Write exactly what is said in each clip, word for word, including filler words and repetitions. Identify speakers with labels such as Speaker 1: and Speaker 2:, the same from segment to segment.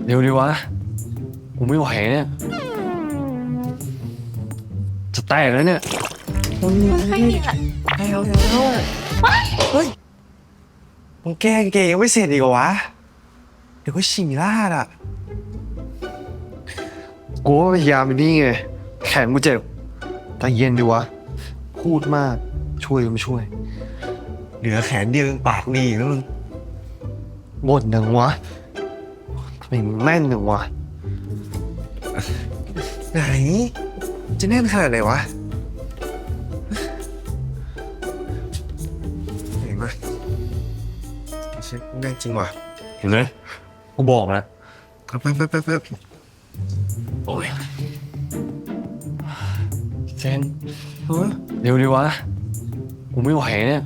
Speaker 1: เร็วดีวะกูไม่ไหวเนี่ยจะแตกแล้วเนี่ย
Speaker 2: ไม่มีแหละ
Speaker 3: แล้วแล้วเฮ้ยมึงแก้เกงยังไม่เสร็จอีกเหรอวะ เดี๋ยวก็ฉี่ลาดอ่ะ
Speaker 1: กูว่าพยายามไปนี่ไงแขนกูเจ็บแต่เย็นดีวะพูดมากช่วยก็ไม่ช่วย
Speaker 3: เหลือแขนเดียวยังปากดีอีกแล้วมึง
Speaker 1: บ่นหนึ่งวะทำไมมึงแม่นหนึ่งวะ
Speaker 3: ไหน จะแน่นขนาดไหนวะเห็นไหมเช็คแน่นจริงว่ะ
Speaker 1: เห็นไหมกูบอกแล้ว
Speaker 3: แป๊บแป๊บแป๊บแป๊บ
Speaker 1: โอ้ยเซน
Speaker 3: เฮ้ย
Speaker 1: เร็วดีวะกูไม่ไหวเนี่ย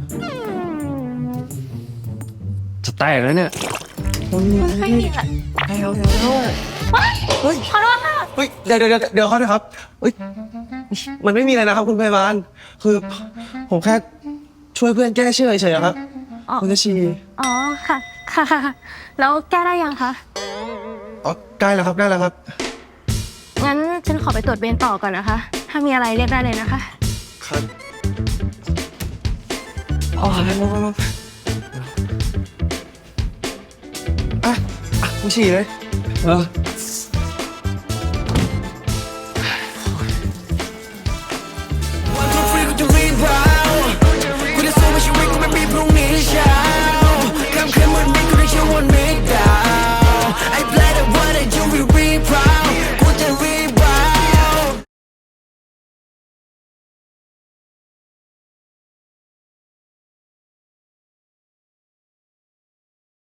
Speaker 1: จะแตกแล้วเนี่ย
Speaker 2: ไม่มีแหละ
Speaker 3: แล้วแล้วเฮ้ย
Speaker 2: ขอโทษค่ะ
Speaker 3: เฮ้ยเดี๋ยวเดี๋ยวเดี๋ยวเดี๋ยวเขาด้วยครับเฮ้ยมันไม่มีอะไรนะครับคุณพยาบาลคือผมแค่ช่วยเพื่อนแก้เชื่อเฉยๆครับ
Speaker 2: อ๋อ
Speaker 3: คุณจะชี
Speaker 2: อ๋อค่ะค่ะค่ะค่ะแล้วแก้ได้ยังคะ
Speaker 3: อ๋อได้แล้วครับได้แล้วครับ
Speaker 2: งั้นฉันขอไปตรวจเวรต่อก่อนนะคะ ถ้ามีอะไรเรียกได้เลยนะคะ
Speaker 3: ครับอ๋อแล้วแล้วแล้วอ่ะอ่ะคุณฉี่เลย
Speaker 1: เออ